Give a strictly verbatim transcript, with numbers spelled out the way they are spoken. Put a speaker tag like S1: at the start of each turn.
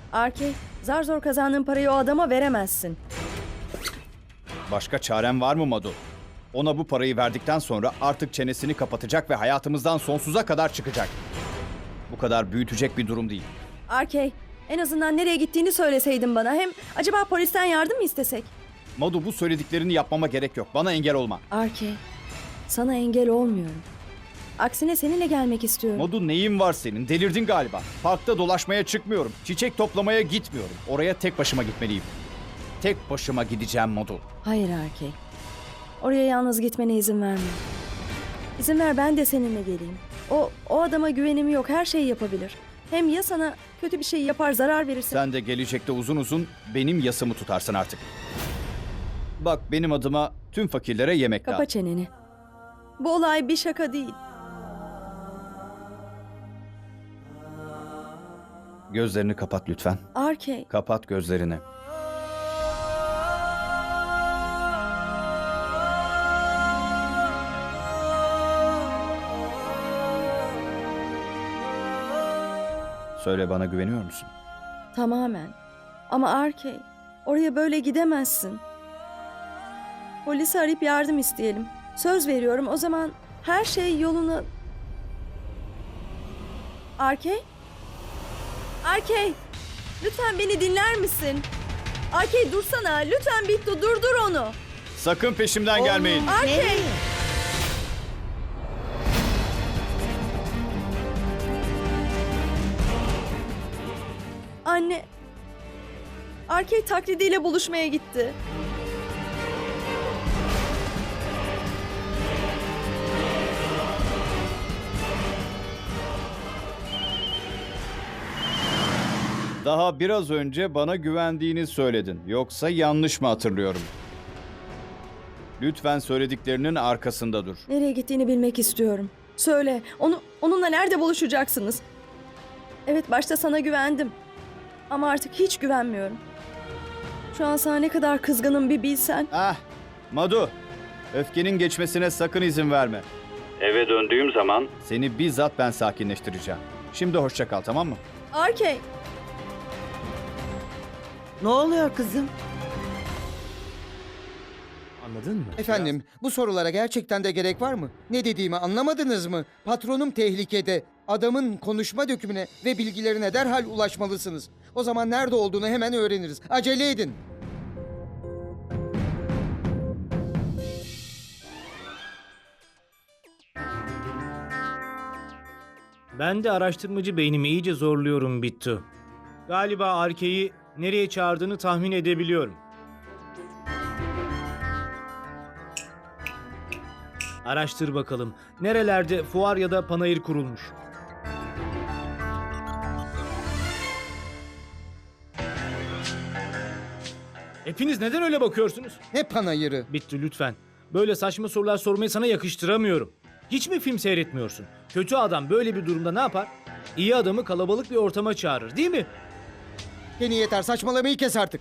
S1: Arke, zar zor kazandığın parayı o adama veremezsin.
S2: Başka çarem var mı Madu? Ona bu parayı verdikten sonra artık çenesini kapatacak ve hayatımızdan sonsuza kadar çıkacak. Bu kadar büyütecek bir durum değil.
S1: Arke, en azından nereye gittiğini söyleseydin bana. Hem acaba polisten yardım mı istesek?
S2: Madu, bu söylediklerini yapmama gerek yok. Bana engel olma.
S1: Arke, sana engel olmuyorum. Aksine seninle gelmek istiyorum.
S2: Madu, neyin var senin? Delirdin galiba. Parkta dolaşmaya çıkmıyorum. Çiçek toplamaya gitmiyorum. Oraya tek başıma gitmeliyim. Tek başıma gideceğim Madu.
S1: Hayır Arke. Oraya yalnız gitmene izin verme. İzin ver ben de seninle geleyim. O, o adama güvenim yok. Her şeyi yapabilir. Hem ya sana kötü bir şey yapar, zarar verirse?
S2: Sen de gelecekte uzun uzun benim yasımı tutarsın artık. Bak, benim adıma tüm fakirlere yemek
S1: Kapa
S2: dağıt.
S1: çeneni. Bu olay bir şaka değil.
S2: Gözlerini kapat lütfen.
S1: Arke,
S2: Kapat gözlerini. Söyle, bana güveniyor musun?
S1: tamamen. Ama Arke, oraya böyle gidemezsin. Polisi arayıp yardım isteyelim. Söz veriyorum, o zaman her şey yoluna... Arke? Arke! Lütfen beni dinler misin? Arke dursana, lütfen Bittu durdur onu.
S2: Sakın peşimden gelmeyin.
S1: Arke! Anne, Arke taklidiyle buluşmaya gitti.
S2: Daha biraz önce bana güvendiğini söyledin. Yoksa yanlış mı hatırlıyorum? Lütfen söylediklerinin arkasında dur.
S1: Nereye gittiğini bilmek istiyorum. Söyle, onu onunla nerede buluşacaksınız? Evet, başta sana güvendim. Ama artık hiç güvenmiyorum. Şu an sana ne kadar kızgınım bir bilsen.
S2: Ah, Madu, öfkenin geçmesine sakın izin verme. Eve döndüğüm zaman seni bizzat ben sakinleştireceğim. Şimdi hoşça kal, tamam mı?
S1: Arke,
S3: Ne oluyor kızım?
S4: Anladın mı?
S5: Efendim, bu sorulara gerçekten de gerek var mı? Ne dediğimi anlamadınız mı? Patronum tehlikede. Adamın konuşma dökümüne ve bilgilerine derhal ulaşmalısınız. O zaman nerede olduğunu hemen öğreniriz. Acele edin.
S4: Ben de araştırmacı beynimi iyice zorluyorum Bittu. Galiba Arke'yi nereye çağırdığını tahmin edebiliyorum. Araştır bakalım. Nerelerde fuar ya da panayır kurulmuş? Hepiniz neden öyle bakıyorsunuz?
S5: Ne panayırı?
S4: Bittu lütfen. Böyle saçma sorular sormayı sana yakıştıramıyorum. Hiç mi film seyretmiyorsun? Kötü adam böyle bir durumda ne yapar? İyi adamı kalabalık bir ortama çağırır, değil mi?
S5: Yeni yeter, saçmalamayı kes artık.